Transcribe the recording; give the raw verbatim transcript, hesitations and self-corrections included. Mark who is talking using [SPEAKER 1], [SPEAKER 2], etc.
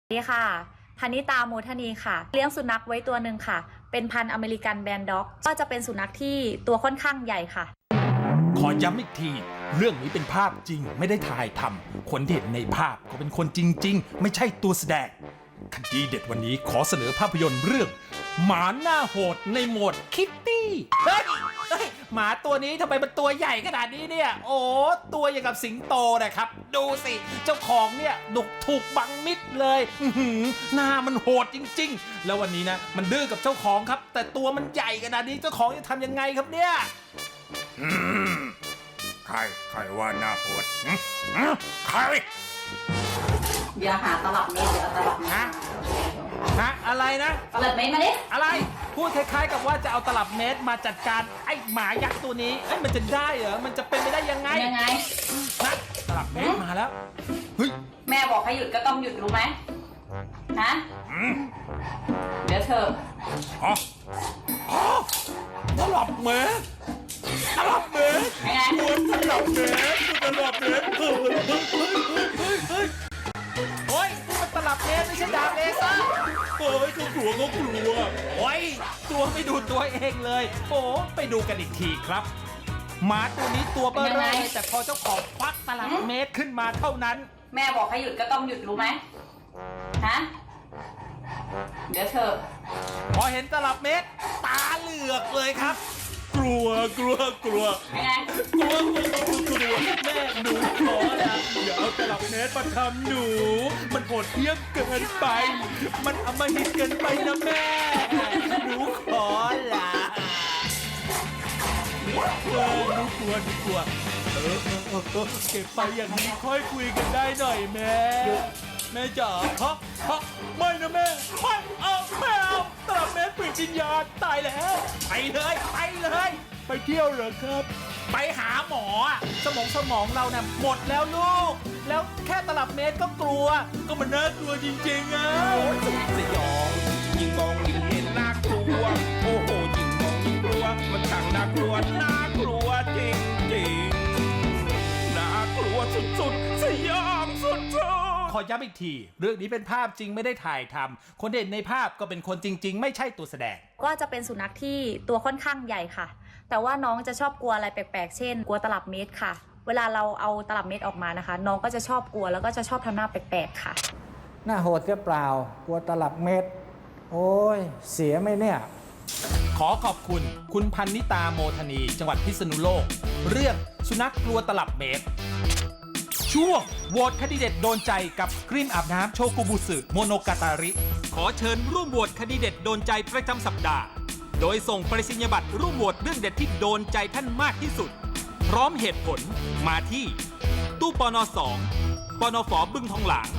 [SPEAKER 1] สวัสดีค่ะพนิตาโมทนีค่ะเลี้ยงสุนัขไว้ตัวหนึ่งค่ะเป็นพันธุ์อเมริกันแบนด็อกก็จะเป็นสุนัขที่ตัวค่อนข้างใหญ่ค่ะ
[SPEAKER 2] ขอย้ำอีกทีเรื่องนี้เป็นภาพจริงไม่ได้ถ่ายทำคนที่เห็นในภาพก็เป็นคนจริงๆไม่ใช่ตัวแสดงคดีเด็ดวันนี้ขอเสนอภาพยนตร์เรื่องหมาหน้าโหดในโหมดคิตตี้เฮ้ยเฮ้ยหมาตัวนี้ทำไมมันตัวใหญ่ขนาดนี้เนี่ยโอ้ตัวอย่างกับสิงโตนะครับดูสิเจ้าของเนี่ยดุถูกบังมิดเลยอื้อหือหน้ามันโหดจริงๆแล้ววันนี้นะมันดื้อกับเจ้าของครับแต่ตัวมันใหญ่ขนาดนี้เจ้าของจะทำยังไงครับเนี่ย
[SPEAKER 3] อืมใครใครว่าหน้าโหดหึหึใคร
[SPEAKER 4] เดี๋ยวหาตลับเมตรเดี๋ยวเอาตลับเมตร
[SPEAKER 2] ฮะฮะอะไรนะ
[SPEAKER 4] ตลับเมตรมาดิ
[SPEAKER 2] อะไรพูดคล้ายๆกับว่าจะเอาตลับเมตรมาจัดการไอ้หมายักษ์ตัวนี้เอ้ยมันจะได้เหรอมันจะเป็นไปได้ยังไง
[SPEAKER 4] ยังไง
[SPEAKER 2] ฮะตลับเมตรมาแล้วเฮ้ย
[SPEAKER 4] แม่บอกให้หยุดก็ต้องหยุดรู้ไหมฮะเดี๋ยวเธอ
[SPEAKER 2] อ๋ออ๋อตลับเมตรตลับเมตร
[SPEAKER 4] ยังไง
[SPEAKER 2] ตลับเมตรตลับเมตรเฮ้ยเฮ้ยเฮ้ยเฮ้ยโอ้ยนี่มันตลับเมตรไม่ใช่ดาบเลเซอร์เฮ้ยเขากลัวเขากลัวโอ้ยตัวไม่ดูตัวเองเลยโอ้ไปดูกันอีกทีครับหมาตัวนี้ตัวเบ้อเร่อเลยแต่พอเจ้าของควักตลับเมตรขึ้นมาเท่านั้น
[SPEAKER 4] แม่บอกให้หยุดก็ต้องหยุดรู้ไหมฮะเดี๋ยวเธอ
[SPEAKER 2] พอเห็นตลับเมตรตาเหลือกเลยครับ กลัวกลัวกลัว
[SPEAKER 4] ยังไง
[SPEAKER 2] กลัวกลัวกลัวแม่หนูขอละอย่าเอาตลับเมตรมาทำหนู มันโหดเหี้ยมเกินไป มันอำมหิตเกินไปนะแม่หนูขอละเออหนูกลัวหนูกลัวเออเออเออเออเก็บไปอย่างนี้ค่อยคุยกันได้หน่อยแม่แม่จ๋าฮะฮะไม่นะแม่ไม่เอาไม่เอาตลับเมตรปริจิญญาณตายแล้วไปเลยไปเลยไปเที่ยวเหรอครับ ไปหาหมออะสมองสมองเราเนี่ยหมดแล้วลูก แล้วแค่ตลับเมตรก็กลัว ก็มันน่ากลัวจริงๆอ่ะโอ้ยสยองยิ่งมองยิ่งเห็นน่ากลัวโอ้โหยิ่งมองยิ่งกลัวมันช่างน่ากลัวน่ากลัวจริงๆน่ากลัวสุดๆสยองสุดๆขอย้ำอีกทีเรื่องนี้เป็นภาพจริงไม่ได้ถ่ายทำคนเห็นในภาพก็เป็นคนจริง ๆ ไม่ใช่ตัวแสดง
[SPEAKER 1] ก็จะเป็นสุนัขที่ตัวค่อนข้างใหญ่ค่ะ แต่ว่าน้องจะชอบกลัวอะไรแปลกๆเช่นกลัวตลับเมตรค่ะเวลาเราเอาตลับเมตรออกมานะคะน้องก็จะชอบกลัวแล้วก็จะชอบทำหน้าแปลกๆค่ะ
[SPEAKER 5] หน้าโหดเสียเปล่า กลัวตลับเม็ด โอ้ย เสียไหมเนี่ย
[SPEAKER 2] ขอขอบคุณคุณพันนิตาโมทนีจังหวัดพิษณุโลกเรื่องสุนัขกลัวตลับเมตรช่วงโหวตคดีเด็ดโดนใจกับครีมอาบน้ำโชกุบุสึโมโนกาตาริขอเชิญร่วมโหวตคดีเด็ดโดนใจประจำสัปดาห์โดยส่งปริศนียบัตรร่วมโหวตเรื่องเด็ดที่โดนใจท่านมากที่สุดพร้อมเหตุผลมาที่ตู้ปนสองปนฝบึงทองหลาง